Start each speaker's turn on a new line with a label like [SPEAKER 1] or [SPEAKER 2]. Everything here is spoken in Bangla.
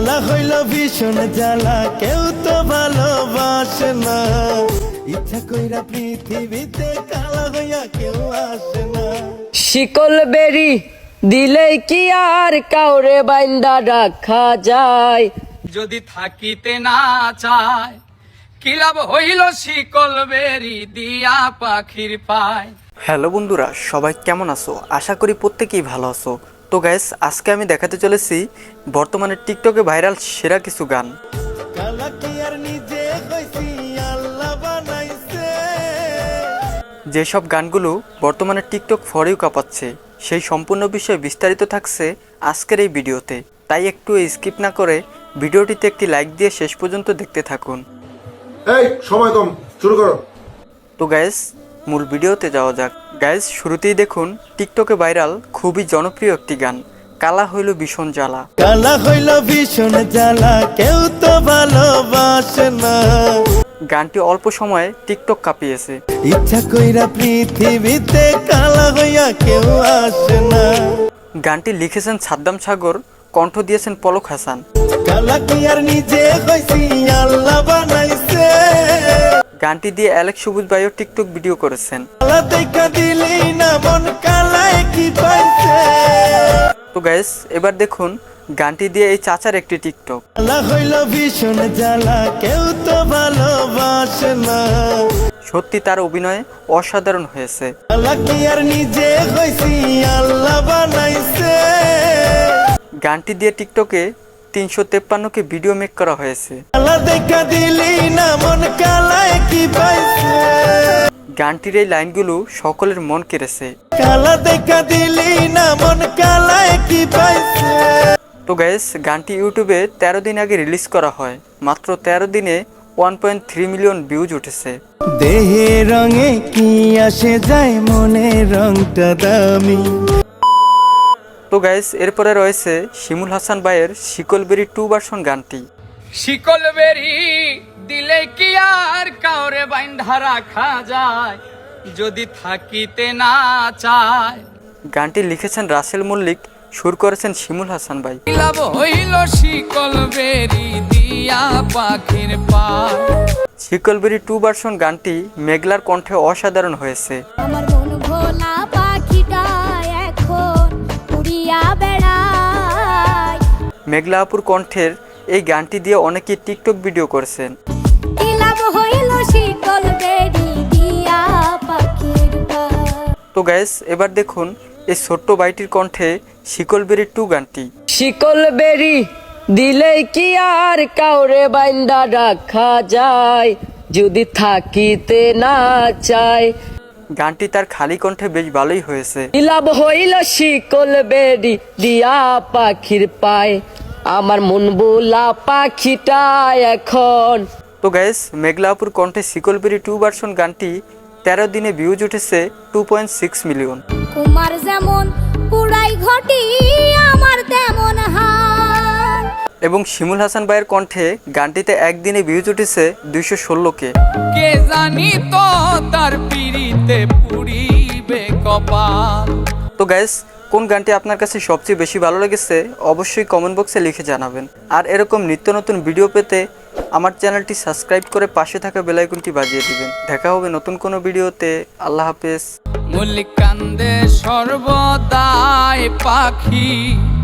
[SPEAKER 1] কালা হইল ভীষণ জ্বালা, কেউ তো ভালোবাসে না। ইচ্ছা কইরা পৃথিবীতে কালা হইয়া কেউ আসে না।
[SPEAKER 2] শিকল বেরি দিলেই কি আর কাউরে বাইন্দা রাখা যায়?
[SPEAKER 3] যদি থাকিতে না চায় কি লাভ হইল শিকল বেরি দিয়া পাখির পায়।
[SPEAKER 4] হ্যালো বন্ধুরা, সবাই কেমন আছো? আশা করি প্রত্যেকেই ভালো আছো। তো গাইস, আজকে আমি দেখাতে চলেছি বর্তমানে টিকটকে ভাইরাল সেরা কিছু গান।
[SPEAKER 1] কালা কি আর নিজে কইছি আল্লাহ বানাইছে।
[SPEAKER 4] যেসব গানগুলো বর্তমানে টিকটক ফরেও কাঁপাচ্ছে, সেই সম্পূর্ণ বিষয়ে বিস্তারিত থাকছে আজকের এই ভিডিওতে। তাই একটু স্কিপ না করে ভিডিওটিতে একটি লাইক দিয়ে শেষ পর্যন্ত দেখতে থাকুন।
[SPEAKER 5] এই সময় কম, শুরু করো।
[SPEAKER 4] তো গাইস, মূল ভিডিওতে যাওয়া যাক। গাইস, শুরুতেই দেখুন টিকটকে ভাইরাল খুবই জনপ্রিয় একটি গান, কালা হইল ভীষণ জ্বালা।
[SPEAKER 1] কালা হইল ভীষণ জ্বালা, কেউ তো ভালোবাসে না।
[SPEAKER 4] গানটি অল্প সময়ে টিকটক কাঁপিয়েছে।
[SPEAKER 1] ইচ্ছা কইরা পৃথিবীতে কালা হইয়া কেউ আসে না।
[SPEAKER 4] গানটি লিখেছেন সাদ্দাম সাগর, কণ্ঠ দিয়েছেন পলক হাসান।
[SPEAKER 1] কালা কি আর নিজে কইছি আল্লাহ বানাইছে।
[SPEAKER 4] গানটি দিয়ে অ্যালেক্স সবুজ ভাইও টিকটক ভিডিও করেছেন।
[SPEAKER 1] কালা দেখা দিলেই না মন কালায় কি পাইছে।
[SPEAKER 4] তো গাইস, এবার দেখুন গানটি দিয়ে এই চাচার একটি টিকটক।
[SPEAKER 1] কালা হইল ভীষণ জ্বালা, কেউ তো ভালোবাসে না।
[SPEAKER 4] সত্যি তার অভিনয় অসাধারণ হয়েছে।
[SPEAKER 1] কালা কি আর নিজে কইছি আল্লাহ বানাইছে।
[SPEAKER 4] গানটি দিয়ে টিকটকে 353কে ভিডিও মেক করা হয়েছে।
[SPEAKER 1] কালা দেখা দিলেই না মন কালায় কি পাইছে।
[SPEAKER 4] গানটির এই লাইনগুলো সকলের মন কেড়েছে।
[SPEAKER 1] কালা দেখা দিলেই না মন কালায় কি পাইছে।
[SPEAKER 4] তো গাইস, গানটি ইউটিউবে 13 দিন আগে রিলিজ করা হয়। মাত্র 13 দিনে 1.3 মিলিয়ন ভিউজ উঠেছে।
[SPEAKER 1] দেহে রঙে কি আসে যায়, মনের রংটা দামি।
[SPEAKER 4] তো গাইস, এরপরে রয়েছে শিমুল হাসান ভাইয়ের শিকলবেরি 2 ভার্সন গানটি।
[SPEAKER 3] শিকল বেরি দিলে কি আর কাউরে বাইন্ধা রাখা যায়? যদি থাকিতে না চায়
[SPEAKER 4] গানটি লিখেছেন রাসেল মল্লিক, সুর করেছেন শিমুল হাসান ভাই।
[SPEAKER 3] কি লাভ হইল শিকল বেরি দিয়া পাখির পায়।
[SPEAKER 4] শিকলবেরি 2 ভার্সন গানটি মেঘলার কণ্ঠে অসাধারণ হয়েছে।
[SPEAKER 6] আমার মন ভোলা পাখিটা এখন উড়িয়া বেড়ায়।
[SPEAKER 4] মেঘলা আপুর কণ্ঠের এই গানটি দিয়ে অনেকেই টিকটক ভিডিও করেছেন।
[SPEAKER 6] কি লাভ হইল শিকল বেরি দিয়া পাখির পায়।
[SPEAKER 4] তো গাইস, এবার দেখুন এই ছোট্ট বাইটির কণ্ঠে শিকলবেরি 2 গানটি।
[SPEAKER 2] শিকল বেরি দিলেই কি আর কাউরে বাইন্দা রাখা যায়? যদি থাকিতে না চায়।
[SPEAKER 4] গানটি তার খালি কণ্ঠে বেশ ভালোই হয়েছে।
[SPEAKER 2] কি লাভ হইল শিকল বেরি দিয়া পাখির পায়। আমার মন বোলা পাখিটা এখন।
[SPEAKER 4] তো গাইস, মেঘলা আপুর কণ্ঠে শিকলবেরি 2 ভার্সন গানটি 13 দিনে ভিউজ উঠেছে 2.6 মিলিয়ন।
[SPEAKER 6] কুমার যেমন পুরাই ঘটি, আমার তেমন হাল।
[SPEAKER 4] এবং শিমুল হাসান ভাইয়ের কণ্ঠে গানটিতে একদিনে ভিউজ উঠেছে 216কে।
[SPEAKER 3] কে জানি তো তার পিড়িতে পুরিবে কপাল।
[SPEAKER 4] তো গাইস, কোন গানটি আপনার কাছে সবচেয়ে বেশি ভালো লেগেছে অবশ্যই কমেন্ট বক্সে লিখে জানাবেন। আর এরকম নিত্য নতুন ভিডিও পেতে আমার চ্যানেলটি সাবস্ক্রাইব করে পাশে থাকা বেল আইকনটি বাজিয়ে দিবেন। দেখা হবে নতুন কোনো ভিডিওতে। আল্লাহ হাফেজ।
[SPEAKER 3] মল্লিক কান্দে সর্বদাই পাখি।